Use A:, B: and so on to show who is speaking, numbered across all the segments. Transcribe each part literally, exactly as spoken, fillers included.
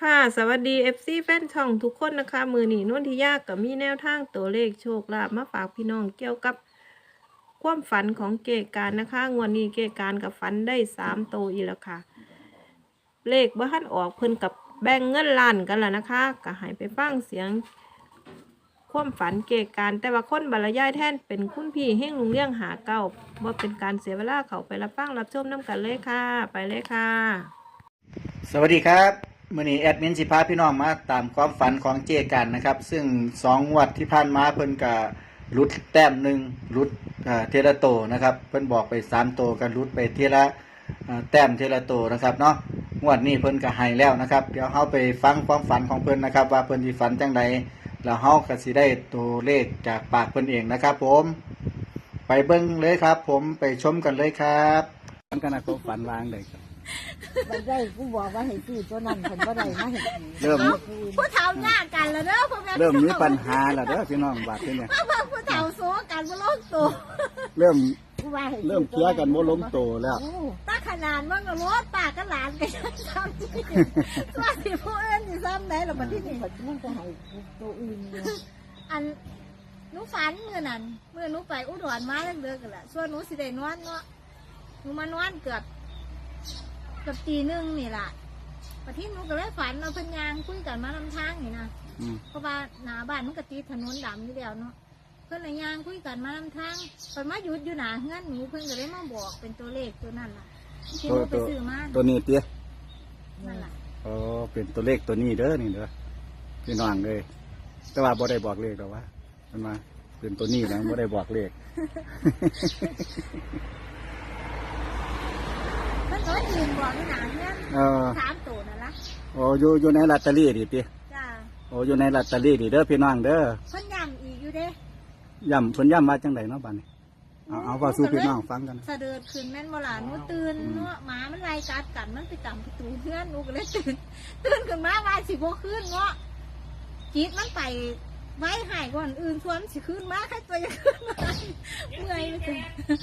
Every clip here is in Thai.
A: ค่ะสวัสดี เอฟ ซี แฟนช่องทุกคนนะคะมือหนีนวลทิยากับมีแนวทางตัวเลขโชคลาภมาฝากพี่น้องเกี่ยวกับความฝันของเกการนะคะงวดนี้เกการกับฝันได้สามโตวอีกแล้วค่ะ เลขบ้านออกเพิ่นกับแบ่งเงินล้านกันแล้วนะคะก็ให้ไปฟังเสียง ความฝันเกการแต่ว่าคนบรรยายแทนเป็นคุณพี่เฮงลุงเลี้ยงหาเก้าว่าเป็นการเสียเวลาเขาไปรับฟังรับชมน้ำกันเลยค่ะไปเลยค่ะ
B: สวัสดีครับมื่อนี้แอดมินสิพาพี่น้องมาตามความฝันของเจกันนะครับซึ่งสองงวดที่ผ่านมาเพิ่นกับรุดแต้มหนึ่งรุดเทระโตนะครับเพิ่นบอกไปสามโตกันรุดไปเทระแต้มเทระโตนะครับเนาะงวดนี้เพิ่นก็ให้แล้วนะครับเดี๋ยวเฮาไปฟังความฝันของเพิ่นนะครับว่าเพิ่นสิฝันจังใดแล้วเฮาก็สิได้ตัวเลขจากปากเพิ่นเองนะครับผมไปเบิ่งเลยครับผมไปชมกันเลยครับฝันกันนะก็ฝันวางเลยครับ
C: บันได้กูบอกว่าให้ซื้อตัวนั้นคนบ่ได้มาเห็น
B: เริ่ม
C: ผู้เฒ่าหน้ากันแล้วเด้อพ่อแม่
B: เริ่มมีปัญหาแล้วเด้อพี่น้องบาดนี้เนี่ย
C: พ่อพ่อผู้เฒ่าโซกันบ่ลงตัว
B: เริ่ม
C: กูว่าให้
B: เริ่มเคลียร์กันบ่ล้มโตแล้ว
C: ตาขนาดมันก็รถปากก็หลานกันซ้ำที่ว่าสิผู้อื่นสิซ้ำได้ล่ะบัดนี้มันก็ให้ตัวอื่นอยู่อันหนูฝันมื้อนั้นมื้อหนูไปอุดรมาเลิกๆกันล่ะส่วนหนูสิได้นอนเนาะหนูมานอนเกือบเกือบตีหนึ่งนี่แหละประที่หนูก็เลยฝันเราเพิ่นยางคุยกันมาลำทางนี่นะเพราะว่าหน้าบ้านมันก็ติดถนนดำอยู่แล้วเนาะเพิ่นเลยยางคุยกันมาลำทางเพิ่นมาหยุดอยู่หน้าเฮือนหนูเพิ่นก็เลยมาบอกเป็นตัวเลขตัวนั่นล่ะที่หนูไปซื้อมา
B: ตัวนี้เตี้ย
C: นั่นล่ะ
B: อ๋อเป็นตัวเลขตัวนี้เด้อนี่เด้อพี่น้องเลยแต่ว่าบ่ได้บอกเลขหรอกว่ามันมาเป็นตัวนี้นะบ่ได้บอกเลข
C: เพิ่นก็ยืนบอกอยู่หน้าเฮือน
B: เออ
C: สามตัวนั่นล่ะ
B: โอ้อยู่อยู่ในลอตเตอรี่ดิเตี้ย
C: จ้า
B: โอ้อยู่ในลอตเตอรี่ดิเด้อพี่น้องเด้อ
C: เพิ่นย้ำอีกอยู่เด้
B: ย่ำเพิ่นย่ำมาจังไดเนาะบัดนี้เอาเอาว่าสู่พี่น้องฟังกัน
C: สะเดิดขึ้นแม่นบ่ล่ะหนูตื่นเนาะหมามันไล่กัดกันมันไปจับประตูเฮือนหนูก็เลยตื่นตื่นขึ้นมาว่าสิบ่ขึ้นเนาะจิตมันไปไว้หายก่อนอื่นชวนสิขึ้นมาแค่ตัวยังขึ้นมาเมื่อยเลย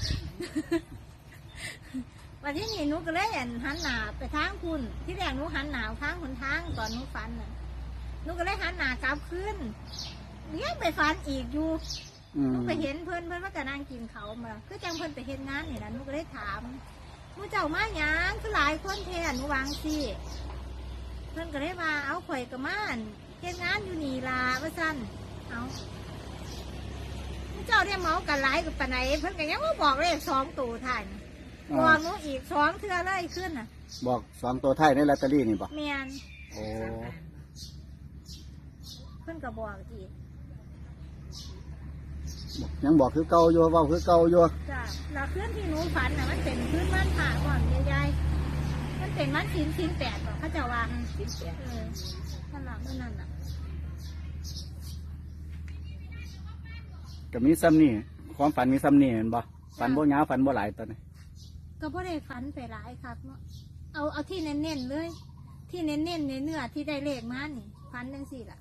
C: วันที่นี่หนูก็เลยหันหน้าไปทางคุณที่แรกหนูหันหน้าทางคนทางตอนหนูฝันน่ะหนูก็เลยหันหน้ากลับขึ้นเลี้ยงไปฝันอีกอยู่หนูไปเห็นเพื่อนเพื่อนว่าจะนั่งกินเขามาคือจังเพื่อนไปเห็นงานนี่นะหนูก็เลยถามมูเจ้ามาหยังคือหลายคนแทนหนูวางสิเพื่อนก็เลยมาเอาข่อยกับม่านเห็นงานอยู่นี่ลาว่าสั้นเอามูเจ้าได้เมากันหลายกับปานไหนเพื่อนก็ยังว่าบอกเลยสองตัวท่านบอกหนูอีกสองเทื่อเลยขึ้นน่ะ
B: บอกสองตัวท้ายในลอตเตอรี่นี่บ่
C: เมียน
B: โอ้
C: เพื่อนก็บอกอีก
B: ยังบอกคือเก่าอยู่เว้าคือเก่าอยู่
C: จ้ะแล้วเคลื่อนที่หนูฝันน่ะมันเป็นพื้นบ้านผ่าก่อนยายๆมันเป็นมันชิ้นชิ้นแปดบอกเขาจะวางชิ้นแปดเออขนาดนั้นน่ะ
B: ก็มีซ้ำนี่ความฝันมีซ้ำนี่เห็นบ่ฝันบ่ยาวฝันบ่หลายตอนนี้
C: ก็บ่ได้ฝันไปหลายครับเนาะเอาเอาที่เน้นๆเลย ที่เน้นๆในเนื้อที่ได้เลขมานี่ฝันจังสี่ล่ะ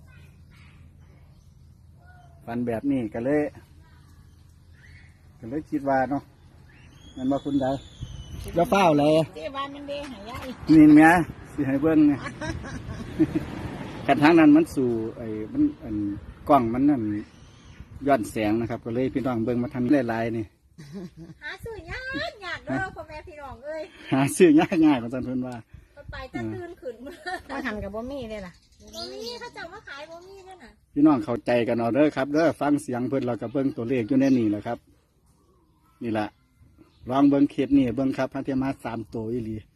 B: ฝันแบบนี้ก็เลยก็เลยคิดว่าเนาะมันมาคุณยายจะเฝ้าเลย
C: เจ้าบ้านมันเด้หายาย
B: นี่เมียสิให้เบิ้งไง กันทางนั้นมันสู่ไอ้มันอันกล้องมันนั่นย้อนแสงนะครับ ก็เลยพี่น้องเบิ้งมาทำหลายๆนี่
C: หาซื้อยากยากเด้อพ่อแม่พี่น้องเอ้ย
B: หาซื้อง่ายๆของสันเพิ่นว่า
C: ไปจะตื่นขึ้นมา
D: ถ้าหันกับบ่มีเลยล่ะ
C: บ่มีเขาจะมาขายบ่มีนั่นน่ะ
B: พี่น้องเข้าใจกันเอาเด้อครับเด้อฟังเสียงเพิ่นเราก็เบิ้งตัวเลขอยู่ในนี่แหละครับ นี่แหละลองเบิ้งเคสนี่เบิ้งครับพันเทียมาสามตัวอีหลี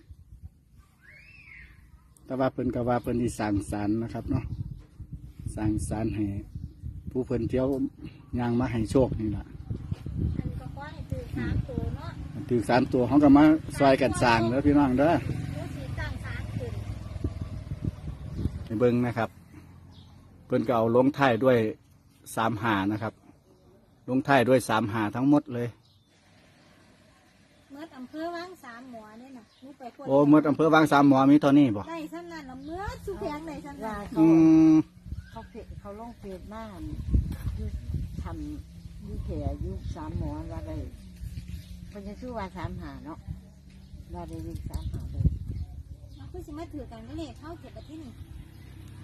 B: แต่ว่าเพิ่นก็ว่าเพิ่นที่สั่งสรรค์นะครับเนาะสั่งสรรค์ให้ผู้เพิ่นเที่ยวยางมาให้โชคนี่แหละ
C: อันนี้ก็ขอให้ตื่นสามตัวเนาะ
B: ถือสามตัวเขาก็มาซอยกันสั่งเด้อพี่น้องเด้อ
C: ดูสีตั้งสามขึ้น
B: ไปเบิ้งนะครับ เพิ่นก็เอาลงท้ายด้วยสามหานะครับ ลงท้ายด้วยสามหาทั้งหมดเลย
C: เมื่ออำเภอวังสามหมอเนี่ยน่ะหนูไปคน
B: โอ้หมดอำเภอบางสามหมอมีเท่านี้บ่
C: ได้ซ้ำนั่นละเมื่อสุแพงได้ซ้ำ
D: ว่า
C: นั่น
D: เขา
B: อืม
D: เขาเพจเขาลงเพจบ้านอยู่ทำอยู่แถวอยู่สามหมอว่าได้เพิ่นจะชื่อว่าสามหาเนาะว่าได้เลขสามหาเลย
C: มันคือสิมาถือกันก็เลยเข้าเก็บไปที่นี่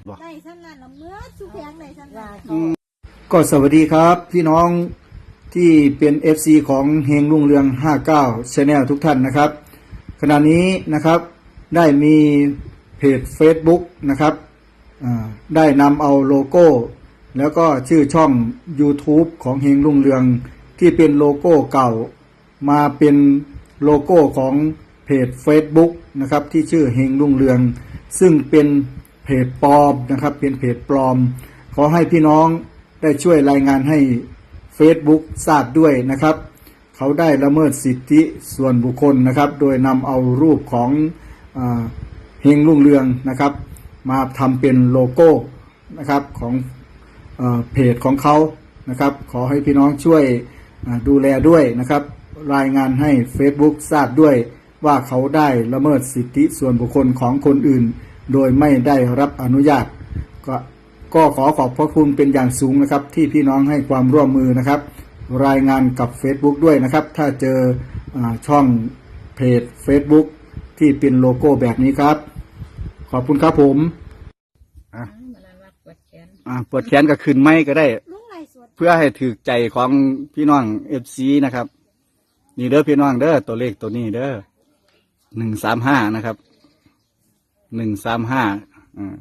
C: ได้ซ้ำนั่นละเมื่อสุแพงได้ซ้ำนั่น
B: อืมก็สวัสดีครับ พี่น้องที่เป็น เอฟ ซี ของเฮงรุ่งเรืองห้าสิบเก้า Channel ทุกท่านนะครับ ขณะนี้นะครับได้มีเพจ Facebook นะครับอ่าได้นำเอาโลโก้ แล้วก็ชื่อช่อง YouTube ของเฮงรุ่งเรืองที่เป็นโลโก้เก่า มาเป็นโลโก้ของเพจ Facebook นะครับที่ชื่อเฮงรุ่งเรือง ซึ่งเป็นเพจปลอมนะครับเป็นเพจปลอม ขอให้พี่น้องได้ช่วยรายงานให้ Facebook ทราบด้วยนะครับ เขาได้ละเมิดสิทธิส่วนบุคคลนะครับ โดยนำเอารูปของอ่าเฮงรุ่งเรืองนะครับ มาทำเป็นโลโก้นะครับของเอ่อเพจของเขานะครับ ขอให้พี่น้องช่วยอ่าดูแลด้วยนะครับ รายงานให้ Facebook ทราบด้วยว่าเขาได้ละเมิดสิทธิส่วนบุคคลของคนอื่น โดยไม่ได้รับอนุญาต ก็ก็ขอขอบพระคุณเป็นอย่างสูงนะครับ ที่พี่น้องให้ความร่วมมือนะครับ รายงานกับ Facebook ด้วยนะครับ ถ้าเจออาช่องเพจ Facebook ที่เป็นโลโก้แบบนี้ครับ ขอบคุณครับผมอ่ะอ่ะปวดแขนก็ขึ้นไม้ก็ได้
C: ลุงไล่สวด
B: เพื่อให้ถือใจของพี่น้อง เอฟ ซี นะครับ นี่เด้อพี่น้องเด้อตัวเลขตัวนี้เด้อหนึ่งสามห้านะครับหนึ่งสามห้าอ่า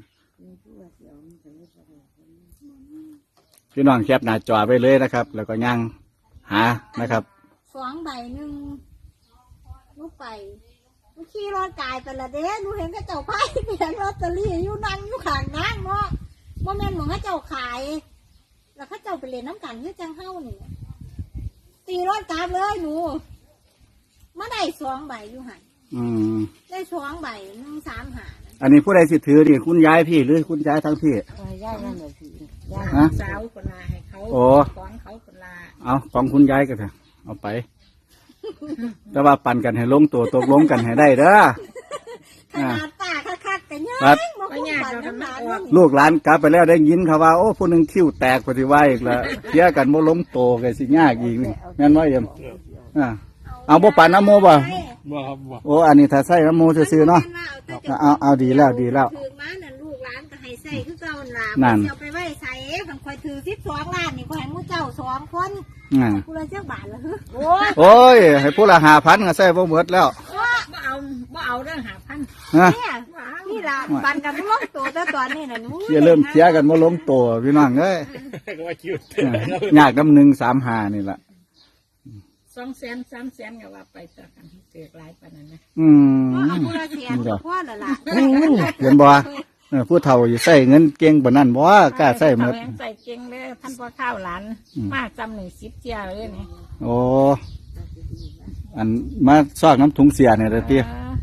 B: พี่น้องแคปหน้าจอไปเลยนะครับ แล้วก็ย่างหานะครับ
C: สองใบหนึ่งลูกไปลูกขี่รถกายไปละเด้หนูเห็นก็เจ้าไพ่เปลี่ยนลอตเตอรี่อยู่นั่งอยู่ข้างนั่งเนาะว่าแม่นหมองให้เจ้าขาย แล้วเขาเจ้าไปเล่นน้ำกันเพื่อจังเฮ้านี่ตีรถกลับเลยหนูมาได้สองใบอยู่หัน
B: อืม
C: ได้สองใบหนึ่งสามหา
B: อันนี้ผู้ใดสิถือนี่คุณยายพี่หรือคุณยายทั้งพี่
D: เออย่านั่นแหละสิย่า
B: ฮะ
E: สาวคนลาให้เขา
B: โอ้
E: สอนเขาคนลา
B: เอาของคุณยายก็เถอะเอาไป แต่ว่าปั่นกันให้ลงตัวตกลงกันให้ได้เด้อ
C: ขนาดป้าคักๆแต่ยัง
B: ครับ
C: มาคุ้มกันน้ำหลานว่านี่
B: ลูกหลานกลับไปแล้วได้ยินเขาว่าโอ้ผู้หนึ่งคิ้วแตกปฏิวัยอีกแล้วเทียกันโมล้มโตกันสิยากอีกนี่แม่นว่าเอ็มอ่าเอาบ่ปานน้ำโมบ่
F: บ่ครับบ่
B: โอ้อันนี้ถ้าใส่น้ำโมซื่อๆเนาะ เอาเอาดีแล้วดีแล้ว
C: ถือมานั่นลูกหลานก็ให้ใส่คือเก่านั่นล่ะ
B: นั่น
C: เจ้าไปไว้ใส่คันคอยถือสิบสองล้านนี่คอยให้หมู่เจ้าสองคน
B: อ่า
C: กูเลยเจ้าบาทละฮึโอ้ย
B: โอ้ยให้ผู้ละหาพันก็ใส่บ่หมดแล้ว
E: บ่เอาบ่เอาเรื่องหาพัน
B: ฮะ
C: เนี่ยนี่ล่ะปันกันลงตัวแต่ตอนนี้น่ะหนู
B: เที่ยเริ่มเทียกันโมล้มโตพี่น้องเอ้ย
F: ก็ว่าคิว
B: อ่ายากน้ำหนึ่งสามหานี่แหละ
E: สองแสนสามแสนก็ว่าไปต่อกันเกิดหลายปานนั้นนะ
B: อืม
C: เอาผู้ละเสียนพ่อละล่ะ
B: เห็นบ่เออผู้เฒ่าอยู่ใส่เงินเก่งบ่นั่นบ่กล้าใส่หมด
E: เอาแรงใส่เก่งเลยท่านพ่อข้าวหลาน
B: อืม
E: มาจำหนึ่งสิบเจียเลยนี่
B: โอ้อันมาซอกน้ำถุงเสียเนี่ยเด้อติ
E: เออก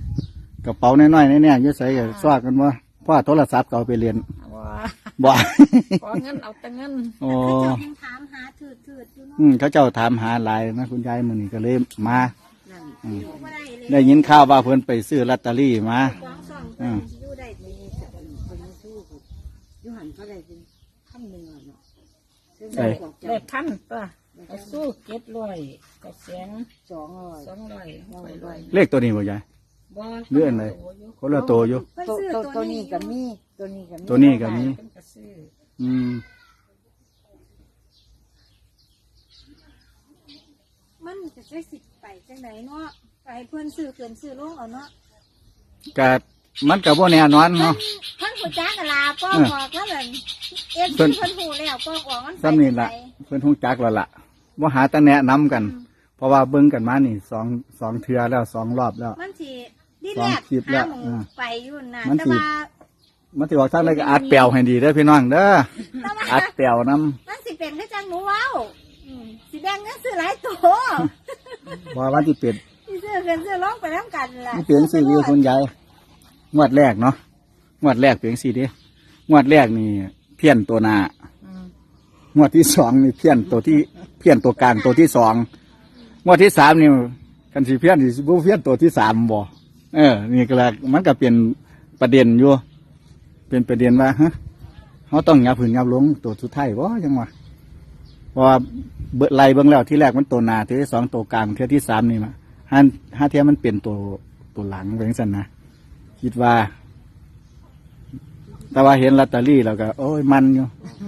B: ระเป๋าน้อยๆแน่ๆอยู่ใส่ก็ซอกกันบ่เพราะว่าโทรศัพท์ก็เอาไปเรียน
E: ว่า
B: บ่
E: ขอเงินเอาแต่เงิน
B: โอ้
C: เขาเจ้ายังถามหาถืดถืดอยู่เนาะ
B: อืมเขาเจ้าถามหาหลายนะคุณยายมื้อนี้ก็เลยมา
D: นั่น
B: อืม
C: อยู่บ่ได้เลย
B: ได้ยินข่าวว่าเพิ่นไปซื้อลอตเตอรี่มา
C: สองสองเพิ่นสิอยู่ได้ดี
D: มีแต่คนคนไม่สู้กูอยูหันเขาได้เป็นขั้นหนึ่งอ่ะเนาะซึ่ง
B: เอ้ย
D: บอก
E: ได้
D: จะ
E: พันตัวไปสู้เก็ดร้อยก็แสน
D: สองร้อย
E: สองร้อยร้อยร้อย
B: เลขตัวนี้บ่ยาย
E: บ่
B: เลื่อนเลย คนละตัวอยู่
C: เพิ่น
D: ตัว
C: ซื้อ
D: ตัว
C: ตั
D: ตัว ว
C: นี้
D: นี้กับมีตัวนี้กับมี
B: ตัวนี้ก็มี
E: เพิ่นก็ซื้อ
B: อืม
C: มันจะใช้สิทธิ์ไปจังไหนเนาะไปให้เพิ่นซื้อเกินซื้อลงเอาเนาะ
B: ก็มันก็บ่แน่นอน
C: เพิ่น
B: เนาะ
C: เพิ่นหูจักกันลาป้องออกแล้วเลยเอฟ
B: เพิ่
C: ซี
B: น
C: เพิ่นหูแล้วป้องออกมันไป
B: ซ้ำนี่ล่ะ
C: จังใด
B: เพิ่นฮู้จักแล้วล่ะบ่หาแต่แนะนํกัน เพราะว่าเบิ่งกันมานี่สองสองเทื่อแล้วสองรอบแล้ว
C: มันสิดี
B: ส
C: แร
B: อง
C: ก
B: คลิปแล้
C: หาว หมู
B: อ่า
C: ไปอยู่น่ะ
B: มัน
C: แต่
B: สิ
C: ว่า
B: มันสิออกทางใดก็อัดแปลวให้ดีเด้อพี่น้องเด้อ
C: แต่ว่า
B: อัดแปลวนํ
C: มันสิเป็นคือจังหนูเว้าอืมสิแบ่งเงินซื้อหลายตัว
B: บ่ว่าสิเป็น
C: สิซื้อเกินซื้อลงไปนํกันล่ะ
B: นี่เป็นสิวิวคุณยายงวดแรกเนาะงวดแรกเป็นสิเด้งวดแรกนี่เพี้ยนตัวหน้า
E: อืม
B: งวดที่สองนี่เพี้ยนตัวที่เพี้ยนตัวกลางตัวที่สองงวดที่สามนี่กันสิเพี้ยนสิบ่เพี้ยนตัวที่สามบ่เออ นี่ก็แหละมันก็เป็นประเด็นอยู่เป็นประเด็นว่าฮะเขาต้องยับผืนยับลงตัวสุดท้ายบ่ยังวะเพราะว่าเบิดไล่เบิ่งแล้วที่แรกมันตัวหน้าที่ที่สองตัวกลางที่ที่สามนี่มาห้าห้าเทียมันเป็นตัวตัวหลังเป็นสั่นนะคิดว่าแต่ว่าเห็นลอตเตอรี่แล้วก็โอ้ยมันอยู่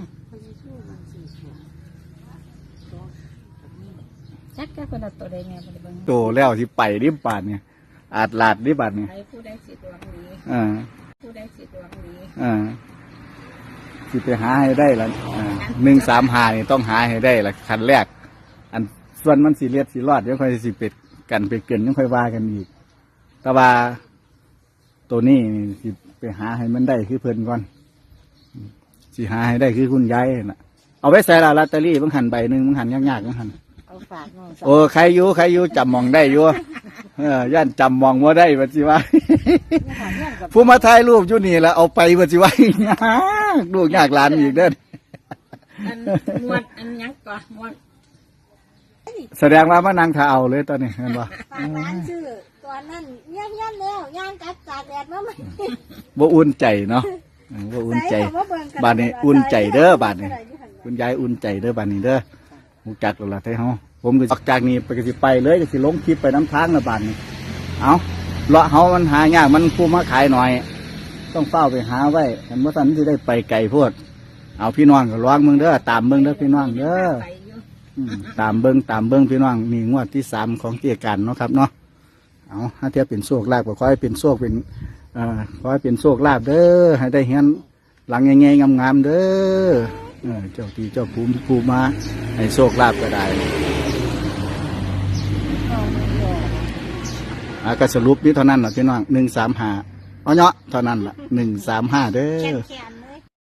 E: จักแค่คนละตัวใดแม่บ่ได้เบิ่ง
B: โตแล้วที่ไปริบบาทเนี่ยอาจลาดริบบาทเนี่ย
E: ใครผู้ใดสิดวงดี
B: อ่า
E: ผู้ใดสิดวงดี
B: อ่าสิไปหาให้ได้ละอ่าหนึ่งสามหานี่ต้องหาให้ได้ละคันแรก อันส่วนมันสีเลียดสีรอดเดี๋ยวค่อยสิเป็ดกันไปเกินยังค่อยว่ากันอีกแต่ว่าตัวนี้นี่สิไปหาให้มันได้คือเพิ่นก่อนสิหาให้ได้คือคุณยายน่ะเอาไว้ใส่ละลอตเตอรี่บางหันใบหนึ่งบางหันยากๆบางหัน
D: เอาฝากน้องสาว
B: โอ้ใครอยู่ใครอยู่จำมองได้อยู่เออย่านจำมองว่าได้บัดสิว่า ผู้มาถ่ายรูปอยู่นี่แล้วเอาไปบัดสิว่า ยากลูกยากหลานอีกเด้อ
E: อันงวดอันหยังก่อนงวด
B: แสดงว่ามานั่งท่าเอาเลยตอนนี้เห็นบ่
C: ฝากร้านชื่อตอนนั้นเงี้ยเงี้ยแล้วย่างกัดตากแดดมาไหม
B: บ่อุ่นใจเนาะเออบ่อุ่นใจบาดนี้อุ่นใจเด้อบาดนี้คุณยายอุ่นใจเด้อบาดนี้เด้อฮู้จักแล้วล่ะไทเฮาผมก็ออกจากนี้ไปก็สิไปเลยก็สิลงคลิปไปน้ำทางละบาดนี้เอาเลาะเฮามันหายากมันผู้มาขายหน่อย ต้องเฝ้าไปหาไว้คันบ่ทันสิได้ไปไกลโพดเอาพี่น้องก็ระวังเบิ่งเด้อตามเบิ่งเด้อพี่น้องเด้อ
E: ไปอยู่
B: อืมตามเบิ้งตามเบิ้งพี่น้องนี่งวดที่สามของเกียรกันเนาะครับเนาะเอาถ้าเทียบเป็นโชคลาภก็ขอให้เป็นโชคเป็นเอ่อขอให้เป็นโชคลาภเด้อให้ได้เห็นหลังใหญ่ๆงามๆเด้อเออเจ้าที่เจ้าภูมิภูมิมาให้โชคลาภก็ได้อ่าก็สรุปนี่เท่านั้นแหละพี่น้องหนึ่งสามห้าเอาเนาะเท่านั้นล่ะหนึ่งสามห้าเด้
C: แข
B: อ
C: นแขน